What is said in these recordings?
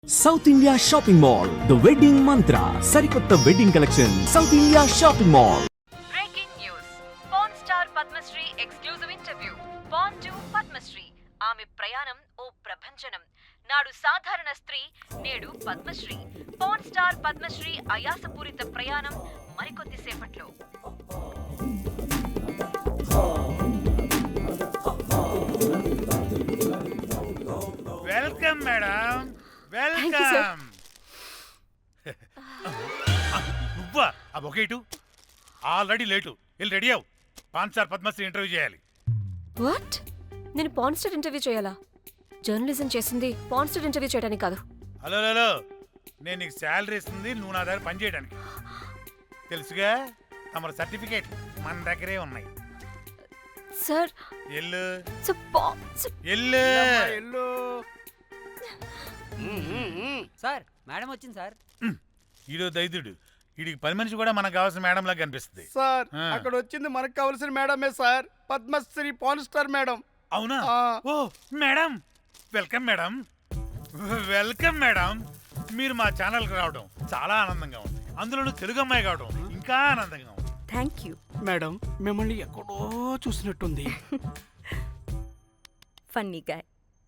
South India shopping mall the wedding Mantra సరికొత్త wedding collection south India shopping mall. Breaking news, pan star Padmasri exclusive interview. Pan to Padmasri, ఆమె ప్రయాణం ఓ ప్రభంజనం. నాడు సాధారణ స్త్రీ, నేడు పద్మశ్రీ. పాన్ స్టార్ పద్మశ్రీ అయాసపూరిత ప్రయాణం మరికొద్ది సేపట్లో. Welcome madam, welcome. నువ్వా? ఆ బొకేటు ఆల్రెడీ లేటు. వెళ్ళి రెడీ అవు. పాన్ స్టార్ పద్మశ్రీ ఇంటర్వ్యూ చేయాలి. వాట్? నేను పాన్ స్టార్ ఇంటర్వ్యూ చేయాలా? జర్నలిజం చేసింది పాన్ స్టార్ ఇంటర్వ్యూ చేయడానికి కాదు. హలో హలో, నేను నీకు శాలరీ ఇస్తుంది నువ్వు నా దగ్గర పని చేయడానికి. తెలుసుగా, తమ సర్టిఫికేట్ మన దగ్గరే ఉన్నాయి. సార్ ఎల్లు ఎల్లు. ఎల్లు. సార్ మేడం వచ్చింది సార్. ఈడో దైదుడు. వీడికి పని మనిషి కూడా మనకు కావాల్సిన మేడం లాగా కనిపిస్తుంది. సార్ అక్కడ వచ్చింది మనకు కావాల్సిన మేడమే sir, Padmasri pan star madam. అవునా? Oh madam, welcome madam, welcome madam. మీరు మా ఛానల్కి రావడం చాలా ఆనందంగా ఉంది. అందులోనూ తెలుగు అమ్మాయి కావడం ఇంకా ఆనందంగా ఉంది. Thank you. మేడం మిమ్మల్ని ఎక్కడో చూసినట్టుంది. Funny guy.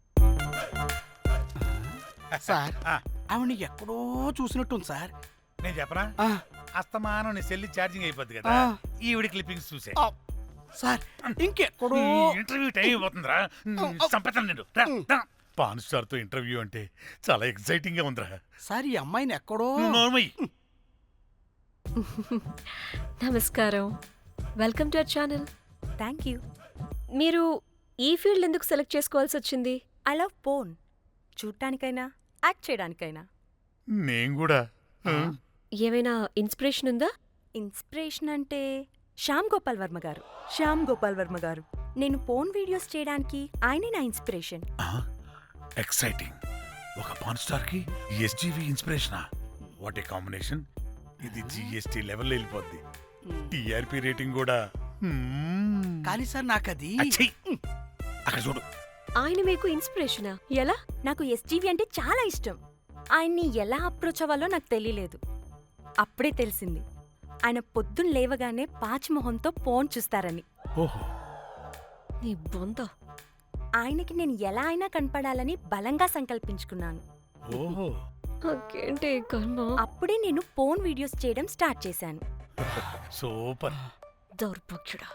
సార్ ఆవిడ ఎక్కడో చూసినట్టుంది సార్. నేను చెప్పనా? అస్తమానం నీ సెల్లి ఛార్జింగ్ అయిపోద్ది కదా, ఈవిడ క్లిప్పింగ్స్ చూసే. సార్ ఇంకెక్కడో ఇంటర్వ్యూ టైం అయిపోతుందిరా. సంపేతాను నేను. రా, రా. పాన్ స్టార్ తో ఇంటర్వ్యూ అంటే చాలా ఎక్సైటింగ్ గా ఉందిరా. సార్ ఈ అమ్మాయిని ఎక్కడో. నోర్మయ్యి. నమస్కారం, welcome to our channel. Thank you. మీరు ఈ ఫీల్డ్ ఎందుకు సెలెక్ట్ చేసుకోవాల్సి వచ్చింది? I love porn. చూడటానికైనా యాక్ట్ చేయడానికైనా. నేను కూడా. ఏమైనా ఇన్స్పిరేషన్ ఉందా? ఇన్స్పిరేషన్ అంటే శ్యామ్ గోపాల్ వర్మ గారు. నేను పోన్ వీడియోస్ చేయడానికి ఆయనే నా ఇన్స్పిరేషన్. ఎక్సైటింగ్. ఒక పాన్ స్టార్ కి ఎస్జీవి ఇన్స్పిరేషనా? What a combination. ఇది జిఎస్టీ లెవెల్లో వెళ్ళిపోద్ది. టిఆర్పి రేటింగ్ కూడా. కానీ సార్ నాకది అచ్చయ్. అక్కడ చూడు. ఆయన మీకు ఇన్స్పిరేషనా? ఎలా? నాకు ఎస్జీవి అంటే చాలా ఇష్టం. ఆయన్ని ఎలా అప్రోచ్ అవ్వాలో నాకు తెలియలేదు. అప్పుడే తెలిసింది ఆయన పొద్దున్న లేవగానే పాచిమొహంతో పోన్ చూస్తారని. ఓహో. నీ బొంద. ఆయనకి నేను ఎలా అయినా కనపడాలని బలంగా సంకల్పించుకున్నాను. ఓహో. నాకేంటి కర్మ? అప్పుడే నేను పోన్ వీడియోస్ చేయడం స్టార్ట్ చేశాను. సూపర్. దౌర్భాగ్యుడా.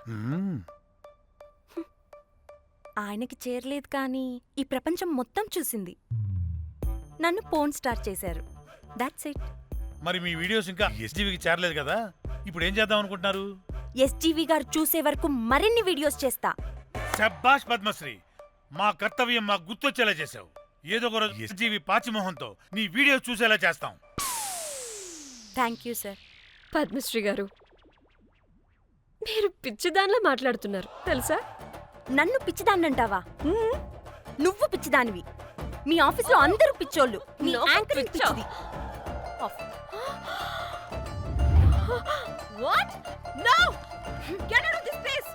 ఆయనకి చేరలేదు కానీ ఈ ప్రపంచం మొత్తం చూసింది. నన్ను పోన్ స్టార్ చేశారు. That's it. మరి మీ వీడియోస్ ఇంకా ఎస్జీవికి చేరలేదు కదా, ఇప్పుడు ఏం చేద్దాం అనుకుంటున్నారు? ఎస్జీవి గారు చూసే వరకు మరిన్ని వీడియోస్ చేస్తా. శభాష్ పద్మశ్రీ, మా కర్తవ్యం మాకు గుర్తొచ్చేలా చేసావు. ఏదో ఒక రోజు ఎస్జీవి పాచిమోహంతో నీ వీడియో చూసేలా చేస్తాం. Thank you sir. పద్మశ్రీ గారు, మీరు పిచ్చిదానిలా మాట్లాడుతున్నారు తెలుసా? నన్ను పిచ్చిదాన్నంటావా? నువ్వు పిచ్చిదానివి. మీ ఆఫీస్లో అందరూ పిచ్చోళ్ళు. నీ యాంకరింగ్ పిచ్చిది. What? No! Get out of this place!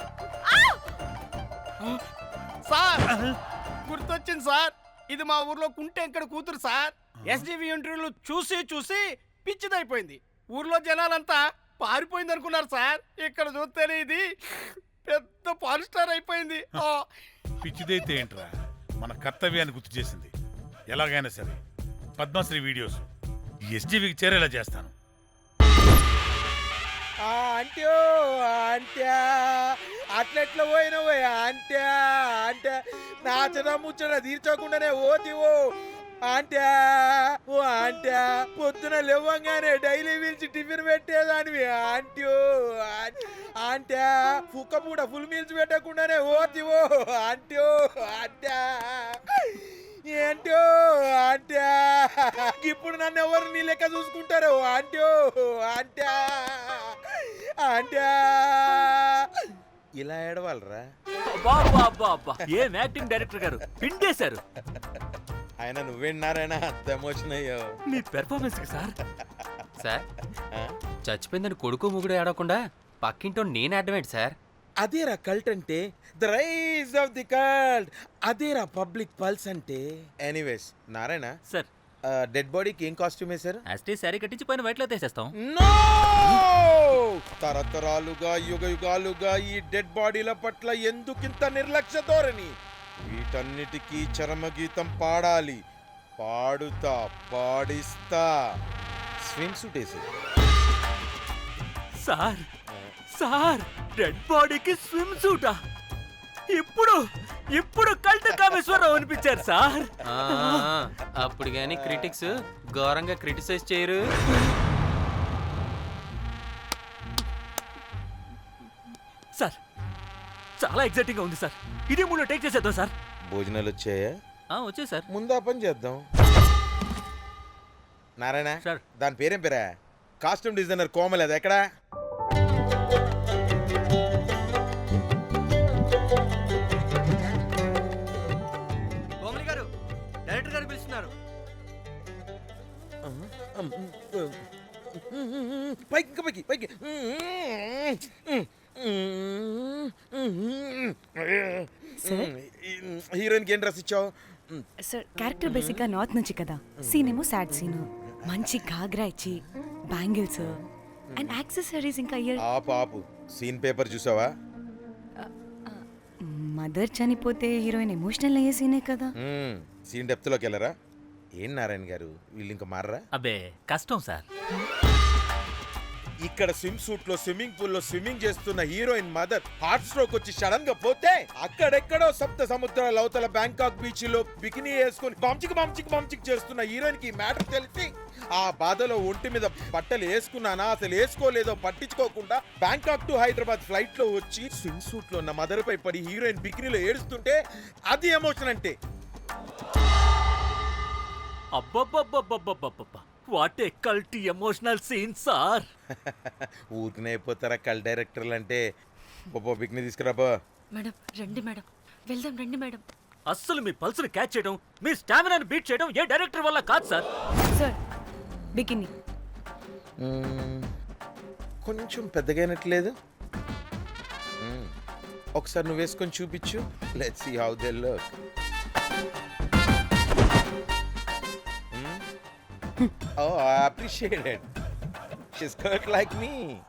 Sir గుర్తొచ్చింది సార్, ఇది మా ఊర్లో కుంటెంకడ కూతురు సార్. ఎస్జీవి ఇంటర్వ్యూలు చూసి చూసి పిచ్చిదైపోయింది. ఊర్లో జనాలంతా పారిపోయింది అనుకున్నారు సార్. ఇక్కడ చూస్తేనే ఇది పెద్ద పాన్ స్టార్ అయిపోయింది. పిచ్చిదైతే ఏంట్రా, మన కర్తవ్యాన్ని గుర్తు చేసింది. ఎలాగైనా సరే పద్మశ్రీ వీడియోస్ ఎస్జీవికి చేరేలా చేస్తాను. అంట్యో అంట్యా అట్లెట్లా పోయినవో అంట్యా అంటే నాచన ముచ్చట తీర్చకుండానే ఓతివో అంట్యా. ఓ అంట్యా పొద్దున లేవంగానే డైలీ పిలిచి టిఫిన్ పెట్టేదానివి అంట్యో అంట్యా. కుక్క పూట ఫుల్ మీల్స్ పెట్టకుండానే ఓతివో అంట్యో అంట్యా. ఏంటో అంట్యా, ఇప్పుడు నన్ను ఎవరు నీ లెక్క చూసుకుంటారు అంట్యో అంట్యా అంట్యా. ఇలా ఏడవాలరా? ఏం యాక్టింగ్ డైరెక్టర్ గారు పిండేశారు. ఆయన నువ్వేనారాయణ అంత ఎమోషన్ అయ్యో మీ పెర్ఫార్మెన్స్ కి సార్. సార్ చచ్చిపోయిందని కొడుకు ముగుడు ఏడవకుండా పక్కింటో నేను ఆడమేంటి సార్? అదేరా కల్ట్ అంటే, the rise of the cult. అదేరా పబ్లిక్ పల్స్ అంటే. ఎనీవేస్ నారాయణ సార్, డెడ్ బాడీకి ఏం కాస్ట్యూమ్ వేశారు? యాస్టీ శారీ కట్టించి పైన వైట్లో తీసేస్తాం. నో! తరతరాలుగా యుగ యుగాలుగా ఈ డెడ్ బాడీల పట్ల ఎందుకింత నిర్లక్ష్య ధోరణి? వీటన్నిటికీ చరమగీతం పాడాలి. పాడుతా, పాడిస్తా. స్విమ్ సూట్ వేసి సార్ సార్ డెడ్ బాడీకి స్విమ్ సూటా? ఇప్పుడు కల్ట్ కామేశ్వరరావు అనిపించారు సార్. అప్పుడు కానీ క్రిటిక్స్ ఘోరంగా క్రిటిసైజ్ చేయరు. సార్ చాలా ఎగ్జైటింగ్ గా ఉంది సార్. ఇది మూడు టేక్ చేసేద్దాం సార్. భోజనాలు వచ్చాయా? వచ్చే సార్. ముందు ఆ పని చేద్దాం. నారాయణ సార్. దాని పేరేం పేరా? కాస్ట్యూమ్ డిజైనర్ కోమల్, అది ఎక్కడా? కోమలి గారు, డైరెక్టర్ గారు పిలుస్తున్నారు. పైకి ఇంకా పైకి పైకి. హీరోయిన్కి ఏం డ్రెస్ ఇచ్చావు? సార్ క్యారెక్టర్ బేసిక్గా నార్త్ నుంచి కదా, సీన్ ఏమో సాడ్ సీన్. మంచి ఘాగ్రా ఇచ్చి బ్యాంగిల్స్ అండ్ యాక్సెసరీస్ ఇంకా ఇయర్. ఆపు సీన్ పేపర్ చూసావా? మదర్ చనిపోతే హీరోయిన్ ఎమోషనల్ అయ్యే సీనే కదా. సీన్ డెప్త్లోకి వెళ్ళరా? ఏం నారాయణ గారు వీళ్ళు ఇంకా మారరా? అబ్బే కష్టం సార్. ఇక్కడ స్విమ్ సూట్ లో స్విమ్మింగ్ పూల్ లో స్విమ్మింగ్ చేస్తున్న హీరోయిన్ మదర్ హార్ట్ స్ట్రోక్ వచ్చి సడన్ గా పోతే, అక్కడెక్కడో సప్త సముద్రాల అవతల బ్యాంకాక్ బీచ్ లో బికినీ వేసుకొని బంచిక్ చేస్తున్న హీరోయిన్ కి మ్యాటర్ తెలిసి ఆ బాధలో ఒంటి మీద బట్టలు వేసుకున్నానా అసలు వేసుకోలేదో పట్టించుకోకుండా బ్యాంకాక్ టు హైదరాబాద్ ఫ్లైట్ లో వచ్చి స్విమ్ సూట్ లో ఉన్న మదర్ పై పడి హీరోయిన్ బికినీలో ఏడుస్తుంటే అది ఎమోషన్ అంటే. అబ్బబ్బబ్బబ్బబ్బబ్బబ్బ what a cult emotional scene sir. ఊరికనే అయిపోతారా కల్ డైరెక్టర్లు అంటే? బికినీ తీసుకురాబో. మేడం రండి మేడం, వెళ్దాం రండి మేడం. అస్సలు మీ పల్స్ని క్యాచ్ చేయడం, మీ స్టామినాని బీట్ చేయడం ఏ డైరెక్టర్ వల్ల కాదు సార్. సార్ బికినీ కొంచెం పెద్దగైనట్లేదు. ఒకసారి నువ్వు వేసుకొని చూపించు. Let's see how they look. Oh, I appreciate it. She's cut like me.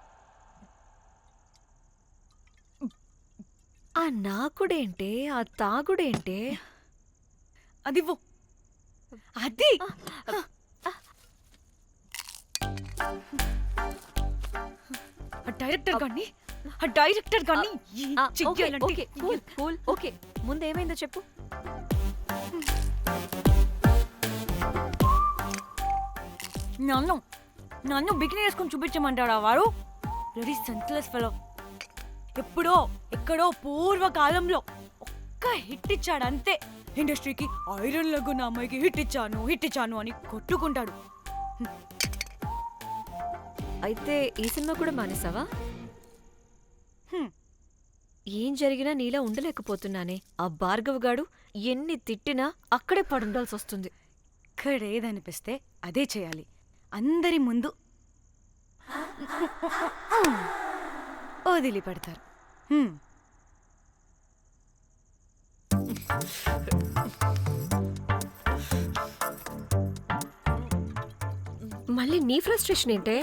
ఆ నాకుడేంటే, ఆ తాగుడేంటే? అదివ్వు. అది ఆ డైరెక్టర్ గాని ఓకే ముందేమైందో చెప్పు. నన్ను బికినీ వేసుకొని చూపించమంటాడా వాడు? Very senseless fellow. ఎక్కడో పూర్వకాలంలో ఒక్క హిట్ ఇచ్చాడు అంతే. ఇండస్ట్రీకి ఐరన్ లెగ్ నా అమ్మాయికి హిట్ ఇచ్చాను అని కొట్టుకుంటాడు. అయితే ఈ సినిమా కూడా మానేసావా? ఏం జరిగినా నీలా ఉండలేకపోతున్నానే. ఆ భార్గవ్ గాడు ఎన్ని తిట్టినా అక్కడే పడుండాల్సి వస్తుంది. ఇక్కడ ఏదనిపిస్తే అదే చేయాలి. అందరి ముందు వదిలిపెడతారు. మళ్ళీ నీ ఫ్రస్ట్రేషన్ ఏంటే?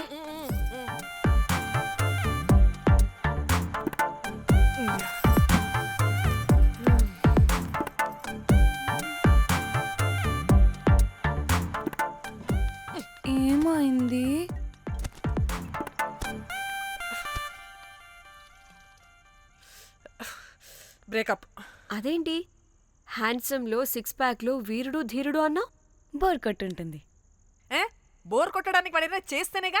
ఏమైంది? బ్రేకప్. అదేంటి హ్యాండ్సమ్ లో సిక్స్ ప్యాక్ లో వీరుడు ధీరుడు అన్నా? బోర్ కట్ ఉంటుంది. బోర్ కొట్టడానికి వాడైనా చేస్తేనేగా.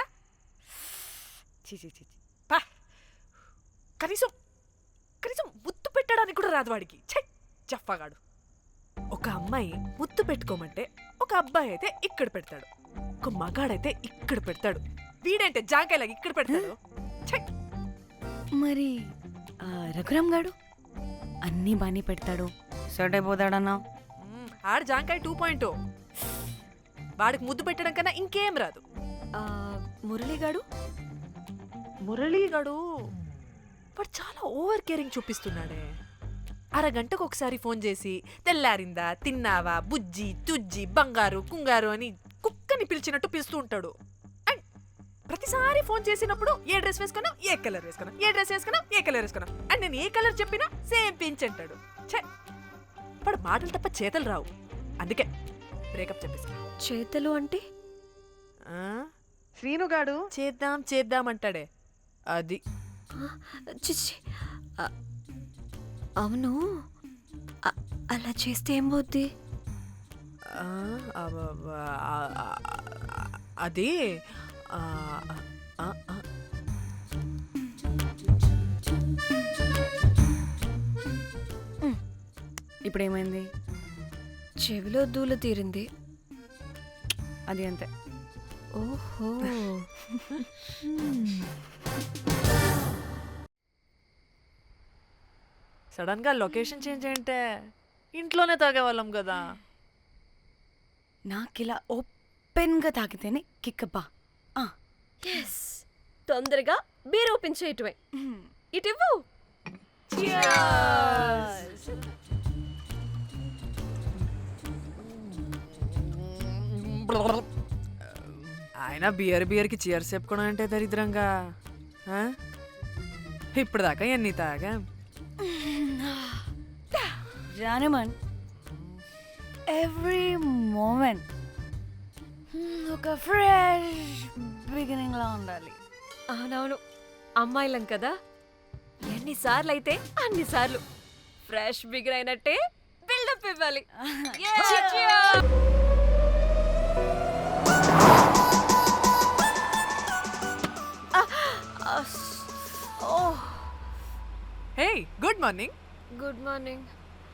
పా, కనీసం ముద్దు పెట్టడానికి కూడా రాదు వాడికి. చెప్పగాడు. ఒక అమ్మాయి ముద్దు పెట్టుకోమంటే ఒక అబ్బాయి అయితే ఇక్కడ పెడతాడు, ఒక మగాడైతే ఇక్కడ పెడతాడు. వీడంటే జాంకాయలాగా ఇక్కడ పెడతాడు. మరి రఘురామ్ గాడు అన్నీ బానే పెడతాడు, సెట్ అయిపోతాడన్నా. ఆడు జాంకాయ 2.0. వాడికి ముద్దు పెట్టడం కన్నా ఇంకేం రాదు. మురళీగాడు వాడు చాలా ఓవర్ కేరింగ్ చూపిస్తున్నాడే. అరగంటకు ఒకసారి ఫోన్ చేసి తెల్లారిందా, తిన్నావా, బుజ్జి తుజ్జి బంగారు కుంగారు అని కుక్కని పిలిచినట్టు పిలుస్తూ ఉంటాడు. అండ్ ప్రతిసారి ఫోన్ చేసినప్పుడు ఏ డ్రెస్ వేసుకున్నా, ఏ కలర్ వేసుకున్నా, ఏ డ్రెస్ వేసుకున్నా, ఏ కలర్ వేసుకున్నా, అండ్ నేను ఏ కలర్ చెప్పినా సేమ్ పించ్ అంటాడు. ఛే, వాడు మాటలు తప్ప చేతలు రావు. అందుకే బ్రేకప్ చెప్పేసి. చేతలు అంటే శ్రీనుగాడు చేద్దాం చేద్దాం అంటాడే అది. చిచ్చి అవును, అలా చేస్తే ఏం పోద్ది? అది ఇప్పుడు ఏమైంది? చెవిలో దూల తీరింది. అది అంతే. ఓహో. సడన్ గా లొకేషన్ చేంజ్ అంటే ఇంట్లోనే తాగేవాళ్ళం కదా. నాకిలా ఓపెన్గా తాగితేనే కిక్కబ్బా. ఎస్, తొందరగా బీర్ ఓపెన్ చేయటమే. ఇటివ్వు. ఆయన బియర్కి చీర్స్ చెప్పుకోవడం అంటే దరిద్రంగా. ఇప్పుడు దాకా ఎన్ని తాగా. జానమన్, ఎవ్రీ మూమెంట్ ఒక ఫ్రెష్ బిగినింగ్ లా ఉండాలి. అవునవును, అమ్మాయిలం కదా, ఎన్నిసార్లు అయితే అన్నిసార్లు ఫ్రెష్ బిగిన్ అయినట్టే బిల్డప్ ఇవ్వాలి. Hey, good morning. Good morning.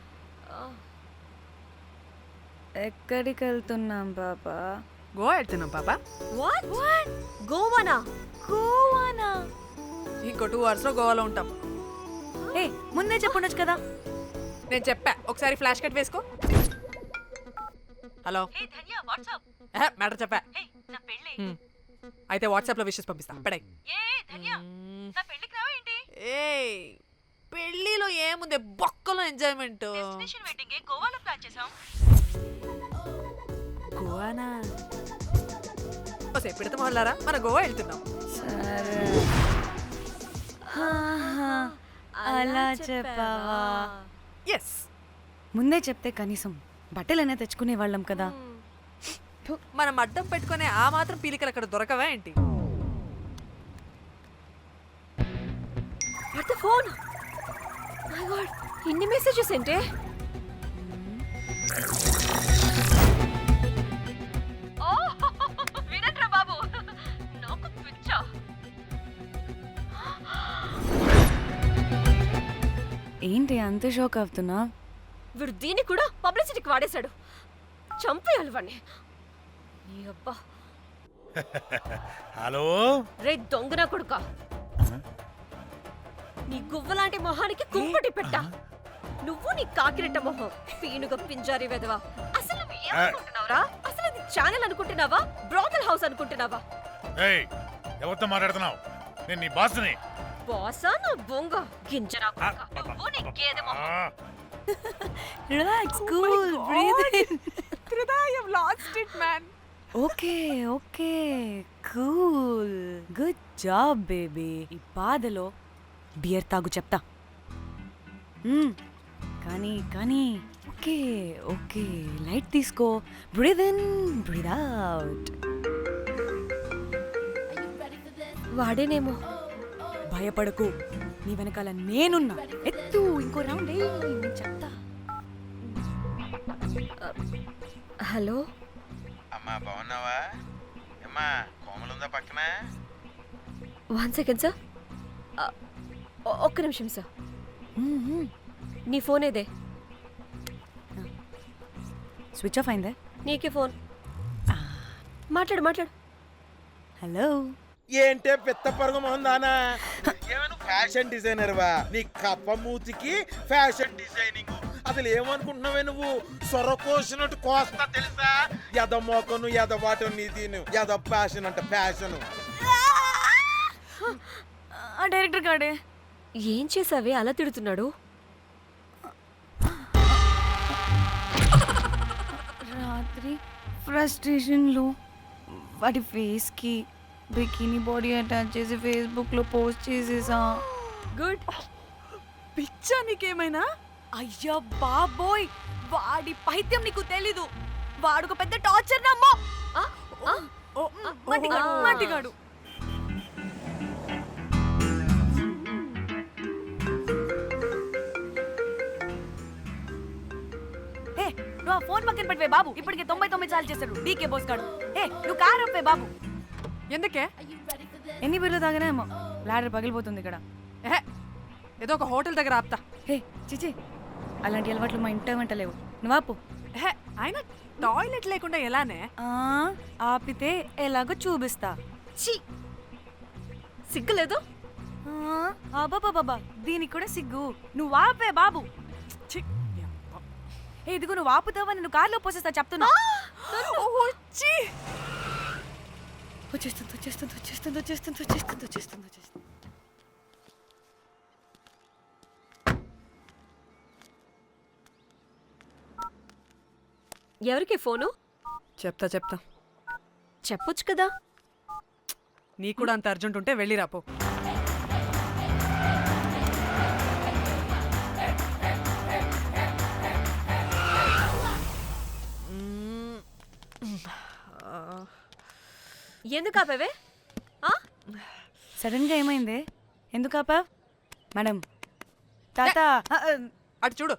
ఎక్కడికి వెళ్తున్నాం పాపా? గోవా వెళ్తున్నాం పాపా. వాట్? గోవానా? గోవానా? ఇంకో 2 hours లో గోవాలో ఉంటాం. ఏ, ముందే చెప్పుండొచ్చు కదా. నేను చెప్పా, ఒకసారి ఫ్లాష్ కట్ వేసుకో. హలో, మ్యాటర్ చెప్పా. అయితే వాట్సాప్ లో విషెస్ పంపిస్తా. పడాయి. ఏ పెళ్లిలో ఏముంది, బొక్కలో ఎంజాయ్మెంట్. గోవానా? ఓసే పెడతాం వాళ్ళారా, మన గోవా వెళ్తున్నాం. సరే, అలా చెప్పావా? ఎస్, ముందే చెప్తే కనీసం బట్టలైనా తెచ్చుకునే వాళ్ళం కదా. మనం అడ్డం పెట్టుకునే ఆ మాత్రం పీలికలు అక్కడ దొరకవా ఏంటి? What the phone? My God, ఇన్ని మెసేజెస్ ఏంటే? వినట్రా బాబు, నాకు పిచ్చా. ఏంటి అంత షోక్ అవుతున్నా? వీడు దీన్ని కూడా పబ్లిసిటీకి వాడేశాడు. చంపేయాలి వాడిని. నీ అబ్బా. హలో. రే దొంగన కొడుకా, నీ గువ్వలాంటి మొహానికి కుంపటి పెట్టా. నువ్వు నీ కాకిరెట్ట మొహం, పీనుగ పింజారి వెదవా. అసలు నువ్వు ఏమనుకుంటున్నావురా? అసలు ఇది ఛానల్ అనుకుంటున్నావా, బ్రోకల్ హౌస్ అనుకుంటున్నావా? ఏయ్, ఎవరితో మాట్లాడుతున్నావు? నేను నీ బాస్ని. బాసా నా బొంగ గింజరా కొడుకా. నువ్వు నీ గేదె మొహం. Relax, cool, breathe in. I have lost it, man. Okay okay, cool, good job baby. ఈ బాధలో బియర్ తాగు చెప్తా. కానీ కానీ ఓకే ఓకే, లైట్ తీసుకో. Breathe in, breathe out. వాడేనేమో. భయపడకు, నీ వెనకాల నేనున్నా. ఎత్తు, ఇంకో రౌండ్ నేను చెప్తా. హలో అమ్మా, బాగున్నావా? అమ్మా, కోమలుందా పక్కన? 1 second సార్. ఒక్క నిమిషం సార్. నీ ఫోన్ ఏదే? స్విచ్ ఆఫ్ అయిందే. నీకే ఫోన్. మాట్లాడు మాట్లాడు. హలో. ఏంటే పెద్ద పరుగు మొహందానా? ఏమను ఫ్యాషన్ డిజైనర్ వా? నీ కప్ప మూతికి ఫ్యాషన్ డిజైనింగ్. అసలు ఏమనుకుంటున్నావే నువ్వు? సొరకోసినట్టు కోస్తా తెలుసా? ఎద మోకను, ఎద వాటను, నీ దీని ఎద ఫ్యాషన్ అంట ఫ్యాషన్. ఆ డైరెక్టర్ గాడే ఏం చేసావే అలా తిడుతున్నాడు? రాత్రి ఫ్రస్ట్రేషన్లో వాడి ఫేస్కి బికినీ బాడీ అటాచ్ చేసి ఫేస్బుక్లో పోస్ట్ చేసేసా. గుడ్. పిచ్చా నీకేమైనా? అయ్యా బాబోయ్, వాడి పైత్యం నీకు తెలీదు. వాడుక పెద్ద టార్చర్ నమ్మో. మట్టిగాడు. నువ్వు ఆ ఫోన్ పక్కన పెట్టవే బాబు. ఇప్పటికే 99 సార్లు చేశాడు డీకే బోస్ గాడు. నువ్వు కారు అప్పే బాబు. ఎందుకే? ఎన్ని బిర్లు తాగినాయేమో లాడర్ పగిలిపోతుంది ఇక్కడ. ఏదో ఒక హోటల్ దగ్గర ఆపుతా. చిచి, అలాంటి అలవాట్లు మా ఇంట వెంట లేవు. నువ్వు ఆపు. ఆయన టాయిలెట్ లేకుండా ఎలానే? ఆపితే ఎలాగో చూపిస్తా. ఛీ, సిగ్గులేదు? బాబా దీనికి కూడా సిగ్గు. నువ్వు ఆపే బాబు. ఇదిగో నువ్వు ఆపుతావా నేను కార్లో పోసేస్తా చెప్తున్నా. వచ్చేస్తుంది. ఎవరికి ఫోను? చెప్తా చెప్పొచ్చు కదా. నీ కూడా అంత అర్జెంట్ ఉంటే వెళ్ళి రాపో. ఎందుకు ఆపేవే? సడన్ గా ఏమైంది? ఎందుకు ఆపా? మేడం తాత అటు చూడు.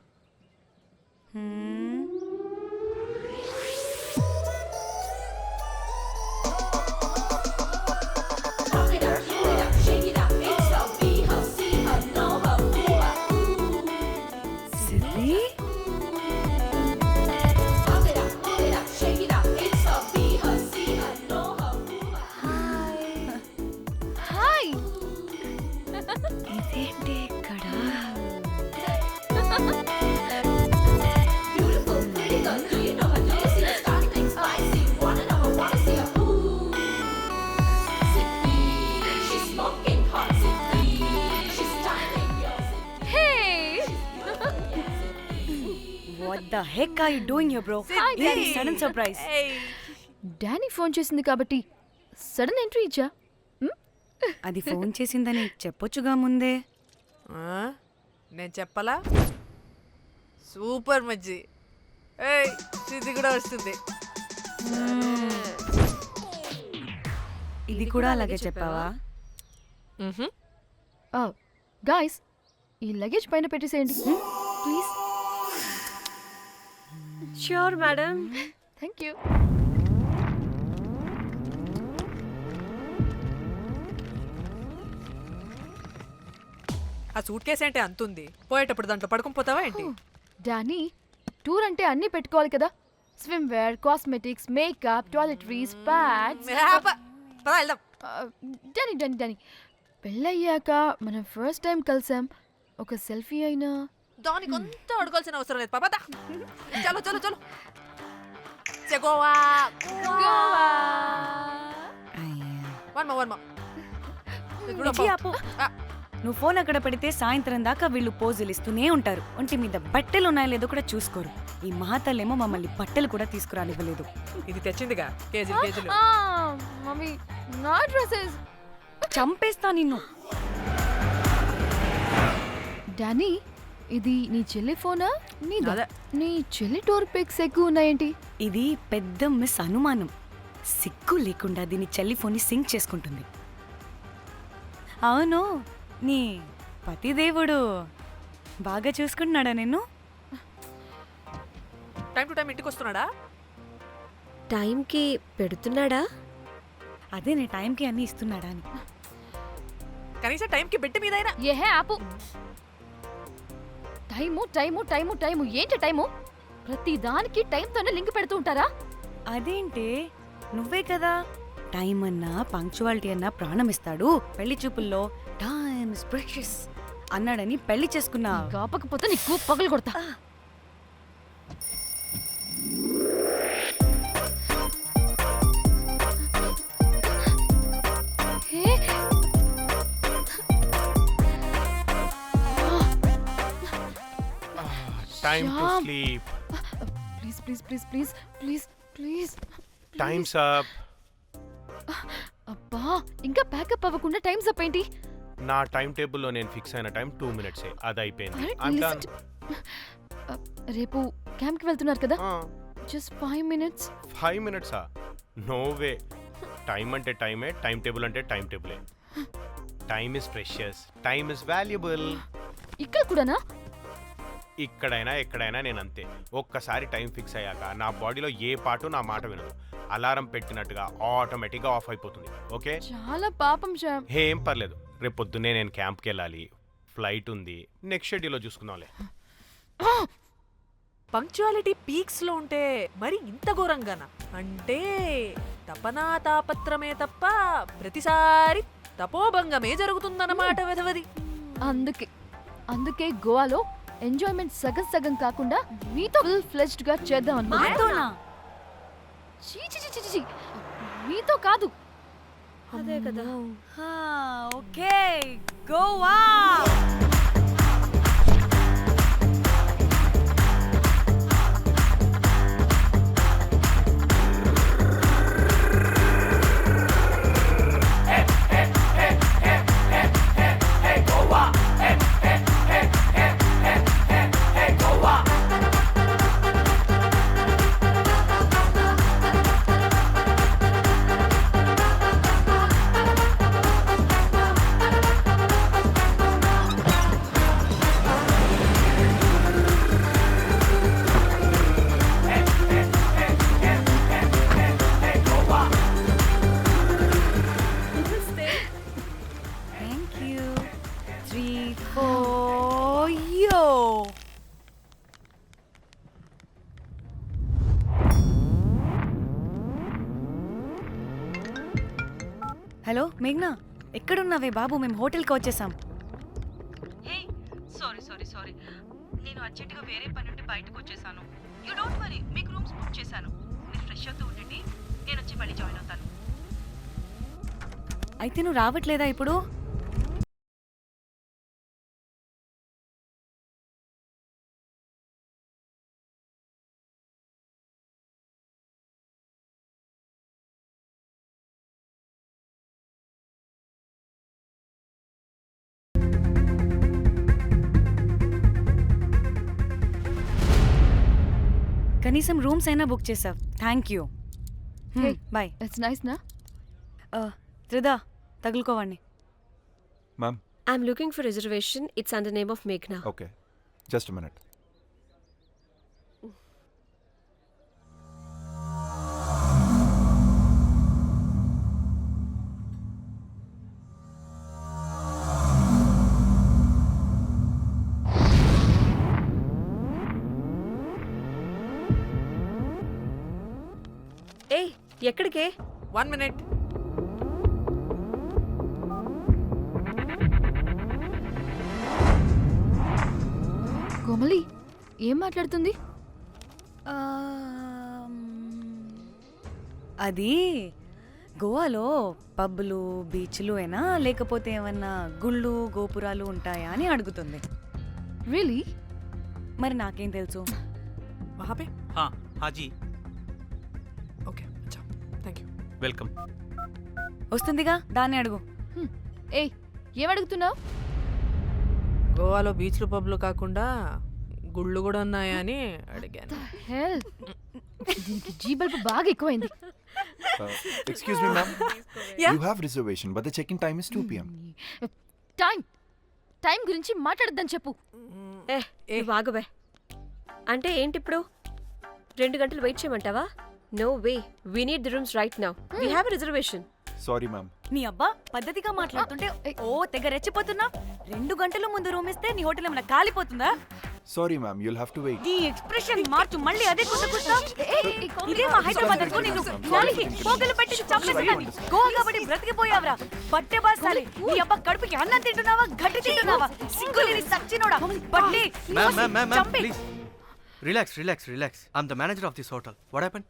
ఇదేంటి ఇక్కడ? What the heck are you doing here, bro? This sudden surprise. Danny phone చేసింది కాబట్టి సడన్ ఎంట్రీ ఇచ్చా. అది ఫోన్ చేసిందని చెప్పొచ్చుగా ముందే. నేను చెప్పలా? సూపర్ మజ్జి. ఇది కూడా వస్తుంది. ఇది కూడా అలాగే చెప్పావా? గాయ్స్, ఈ లగేజ్ పైన పెట్టేసేయండి please. Sure madam. Thank you. ఆ సూట్ కేసు అంటే అంతుంది. పోయేటప్పుడు దాంట్లో పడుకుని పోతావా ఏంటి? డానీ, టూర్ అంటే అన్నీ పెట్టుకోవాలి కదా. Swim wear, cosmetics, makeup, toiletries, pads. Danny, పెళ్ళయ్యాక మనం ఫస్ట్ టైం కలిసాం. ఒక సెల్ఫీ అయినా దానికి అంత అడగాల్సిన అవసరం లేదు పాపా. చలో చలో చలో. గోవా వర్మ. నువ్వు ఫోన్ అక్కడ పెడితే సాయంత్రం దాకా వీళ్ళు పోజులు ఇస్తూనే ఉంటారు. ఒంటి మీద బట్టలు ఉన్నాయో లేదో కూడా చూసుకోరు. ఈ మహాతల్లేమో మమ్మల్ని బట్టలు కూడా తీసుకురానివ్వలేదు. ఇది తెచ్చిందిగా కేజీలు. మమ్మీ, నా డ్రెస్సెస్. చంపేస్తా నిన్ను. డానీ, ఇది నీ చెల్లి ఫోనా? అదే. నీ చెల్లి టూర్ పిక్స్ ఎక్కువ ఉన్నాయేంటి? ఇది పెద్ద మిస్ అనుమానం. సిగ్గు లేకుండా దీని చెల్లి ఫోన్ని సింక్ చేసుకుంటుంది. అవును, నీ పతిదేవుడు బాగా చూసుకుంటున్నాడా నిన్ను? టైం టు టైం ఇంటికి వస్తున్నాడా? టైంకి పెడుతున్నాడా? అదే నీ టైంకి అన్నీ ఇస్తున్నాడా అని. కనీసం టైంకి బెట్టి మీదైనా. ఏహే ఆపు. టైము ఏంటి టైము? ప్రతి దానికి టైంతోనే లింక్ పెడుతూ ఉంటారా? అదేంటే, నువ్వే కదా టైం అన్నా పంక్చువాలిటీ అన్నా ప్రాణం ఇస్తాడు, పెళ్లి చూపుల్లో టైమ్ ఇస్ ప్రెషియస్ అన్నాడని పెళ్లి చేసుకున్నా. కాపకపోతే నీకు పగలు కొడతా. Time to sleep. Please. Time's up. అబ్బా ఇంకా ప్యాకప్ అవ్వకుండా టైం అప్ ఏంటి? నా టైం టేబుల్లో నేను ఫిక్స్ అయిన టైం 2 minutes అది అయిపోయింది. అరే, I'm listen done. రేపు క్యాంప్కి వెళ్తున్నారు కదా? Just 5 minutes. 5 minutes no way. Time అంటే టైమే, టైం టేబుల్ అంటే టైం టేబులే. Time is precious, time is valuable. ఇక్కడ కూడానా? ఇక్కడైనా ఎక్కడైనా నేను అంతే. ఒక్కసారి టైం ఫిక్స్ అయ్యాక నా బాడీలో ఏ పాటు నా మాట వినదు. అలారం పెట్టినట్టుగా ఆటోమేటిక్గా ఆఫ్ అయిపోతుంది. ఓకే, చాలా పాపం శ్యామ్. ఏం పర్లేదు. రేపు పొద్దున్నే నేను క్యాంప్కి వెళ్ళాలి, ఫ్లైట్ ఉంది. నెక్స్ట్ షెడ్యూల్లో చూసుకుందాంలే. పంక్చువాలిటీ పీక్స్ లో ఉంటే మరి ఇంత ఘోరంగానా? అంటే తపనా తాపత్రమే తప్ప ప్రతిసారి తపోభంగమే జరుగుతుందన్నమాట వెధవది. అందుకే గోవాలో ఎంజాయ్మెంట్ సగం సగం కాకుండా మీతో ఫుల్ ఫ్లెజ్డ్ గా చేద్దాం అనుకున్నా. మీతో కాదు. అదే కదా. ఓకే, గోవా. హలో మేఘ్నా, ఎక్కడున్నావే బాబు? మేము హోటల్కి వచ్చేసాం. సారీ నేను అర్జెంటుగా వేరే పని నుండి బయటకు వచ్చేసాను. యూ డోంట్ వరీ, మీకు రూమ్స్ బుక్ చేశాను. మీరు ఫ్రెష్ అవుతూ ఉండండి, నేను వచ్చి మళ్ళీ జాయిన్ అవుతాను. అయితే నువ్వు రావట్లేదా ఇప్పుడు? కనీసం రూమ్స్ అయినా బుక్ చేసావు. Thank you. Bye. It's nice నా? త్రిదా, తగులుకోవండి. Ma'am, I'm looking for reservation. It's under name of మేఘ్నా. Okay, just minute. ఏయ్, ఎక్కడికే? 1 minute. కోమలి ఏం మాట్లాడుతుంది? అది గోవాలో పబ్బులు బీచ్లు అయినా లేకపోతే ఏమన్నా గుళ్ళు గోపురాలు ఉంటాయా అని అడుగుతుంది. రియలీ? మరి నాకేం తెలుసు? वहाँ पे? हाँ जी, ఓకే, అచ్చా, థ్యాంక్ యూ. वेलकम. వస్తుందిగా, దాన్ని అడుగు. ఏయ్, ఏం అడుగుతున్నావు? గోవాలో బీచ్లు పబ్లు కాకుండా గుళ్ళు కూడా ఉన్నాయా అని అడిగాను. హెల్, దీనికి జీ బల్బ్ బాగా ఎక్కువైంది. Excuse me, ma'am. Yeah? You have reservation, but the check-in time is 2 p.m. Time గురించి మాట్లాడద్దని చెప్పు. బాగుబే. అంటే ఏంటి ఇప్పుడు? 2 గంటలు వెయిట్ చేయమంటావా? No way, we need the rooms right now. We have a reservation. Sorry, ma'am. నీ అబ్బా పద్ధతిగా మాట్లాడుతుంటే ఓ తెగ రెచ్చిపోతున్నా. 2 గంటల ముందు రూమ్ ఇస్తే నీ హోటల్ ఏమైనా కాలిపోతుందా? Sorry, ma'am. You'll have to wait. నీ ఎక్స్ప్రెషన్ మార్చు, మళ్ళీ అదే కుట్టుకుస్తా. ఇదే మా హైదరాబాద్ అనుకో, నిన్ను నాలికి పోగలు పెట్టి చంపేస్తాను. గోవా కాబట్టి బ్రతికిపోయావరా బట్టే బాసాలి. నీ అబ్బా కడుపుకి అన్నం తింటున్నావా, గడ్డి తింటున్నావా? సింగులేని సచ్చినోడా బట్టే. Ma'am, please. Relax. I'm the manager of this hotel. What happened?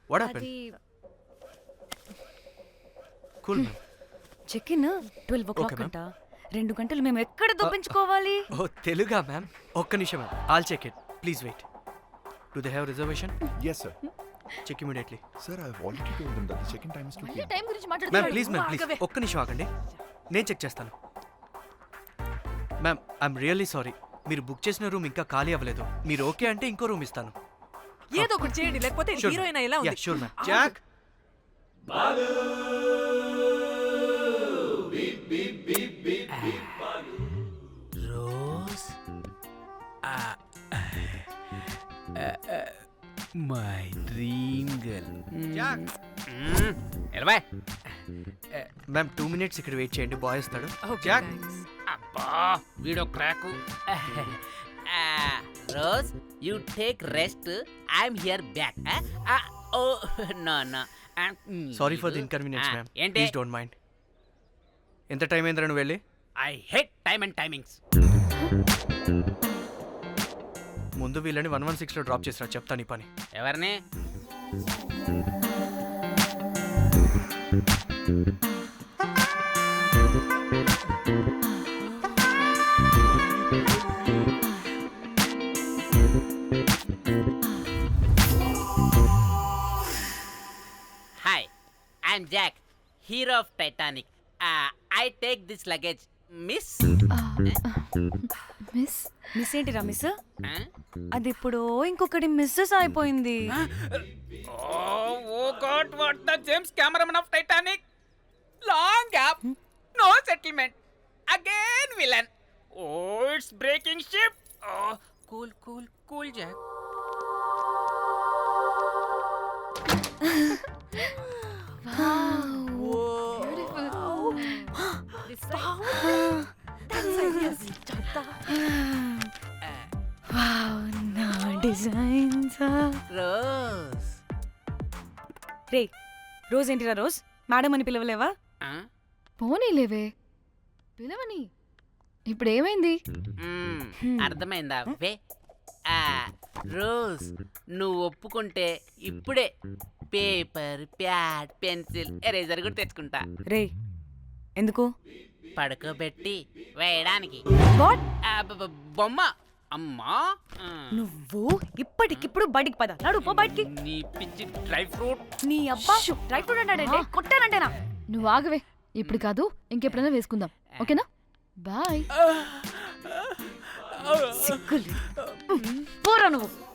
Cool, ma'am. Check in 12 o'clock Okay, ma'am. అంట. 2 గంటలు మేము ఎక్కడ దొప్పించుకోవాలి? Oh, Teluga, ma'am. ఒక్క నిమిషం, ma'am. I'll check it. Please wait. Do they have reservation? Yes, sir. Check immediately. Sir I already told them that the check in time is 2 మళ్ళీ PM. Time గురించి ma'am మాట్లాడుతున్నారు. Please ma'am please ఒక్క నిమిషం ఆగండి, నేను check చేస్తాను. Ma'am I'm really sorry, మీరు book చేసిన రూమ్ ఇంకా ఖాళీ అవ్వలేదు. మీరు ఓకే అంటే ఇంకో రూమ్ ఇస్తాను. ఏదో ఒకటి చేయండి, లేకపోతే హీరోయిన్ ఎలా ఉంది? Sure ma'am. Jack Rose my dream girl. Jack ఎలవా మ్యామ్ 2 minutes ఇక్కడ వెయిట్ చేయండి, బాయ్ వస్తాడు. Okay, Jack thanks. అబ్బా వీడో crack. Rose you take rest, I'm here back. Oh no no sorry for the inconvenience ma'am, ఏంటి? Please don't mind. ఎంత time అయిందిరా నువ్వు వెళ్ళి? I hate time and timings. ముందు వీళ్ళని 116లో డ్రాప్ చేసినా, చెప్తాను ఈ పని. ఎవరిని? Hi, I'm Jack, hero of Titanic. I take this luggage miss. Miss miss ఏంటిరా మిస్? అది ఇప్పుడు ఇంకొకటి మిస్సెస్ అయిపోయింది. Oh God, what the James cameraman of Titanic. Long gap, no settlement, again villain. Oh it's breaking ship. Cool cool cool Jack. Rose రే Rose ఏంటిరా Rose? మేడం అని పిలవలేవా? పోనీలేవే, పిలవని. ఇప్పుడు ఏమైంది? అర్థమైందా? వే రోజ్, నువ్వు ఒప్పుకుంటే ఇప్పుడే పేపర్, ప్యాడ్, పెన్సిల్, ఎరేజర్ కూడా తెచ్చుకుంటా. రే ఎందుకు? పడుకోబెట్టి వేయడానికి. వాట్? బొమ్మ. అమ్మా, నువ్వు ఇప్పటికిప్పుడు బయటికి పద. నడు పో బయటికి. నీ పిచ్చి డ్రై ఫ్రూట్. నీ అబ్బా డ్రై ఫ్రూట్ అన్నాడంటే కొట్టానంటేనా? నువ్వు ఆగవే, ఇప్పుడు కాదు ఇంకెప్పుడైనా వేసుకుందాం, ఓకేనా? బాయ్. సిగ్గులు పోరా నువ్వు.